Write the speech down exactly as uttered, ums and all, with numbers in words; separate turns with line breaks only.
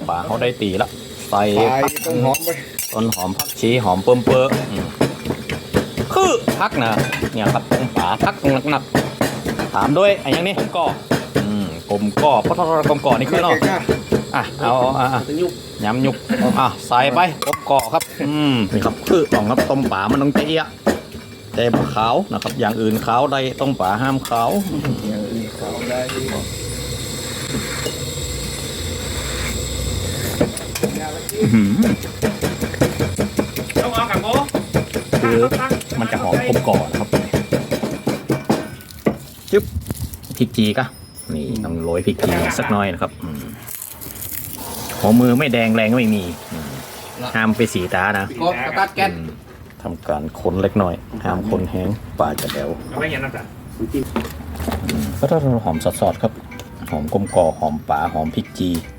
ป่าเขาได้ตีแล้วใส่
ใส่ต้นหอมไป
ต้นหอมผักชีหอมเปิ่มเปอะคือพักนะเนี่ยครับต้มป่าพักหนักๆถามด้วยไอ้ยังนี่กลมก่ออืมกลมก่อเพราะถ้ากลมก่อนี่คือเนาะอ่ะเอาอ่ะย้ำยุกอ่ะใส่ไปกลมก่อครับอืมนี่ครับคือต้องครับต้มป่ามันต้องเจี๊ยะแต่ปลาขาวนะครับอย่างอื่นขาวได้ต้มป่าห้ามขาว
อย่างอื่นเขาได้
ต้องเอากับโบ
คือมันจะหอมกลมก่อนะครับจึ๊บพริกจีกะนี่ต้องโรยพริกจีสักหน่อยนะครับอืมหัวมือไม่แดงแรงก็ไม่มีอืมห้ามไปสีตานะ
กดกระตัดแก๊ส
อืมทำการคนเล็กน้อยห้ามคนแห้งป่าจะแดว
เอาไว้ยังน้ำตาล
ก็ถ้าเราหอมสดๆครับหอมกลมก่อหอมป่าหอมพริกจี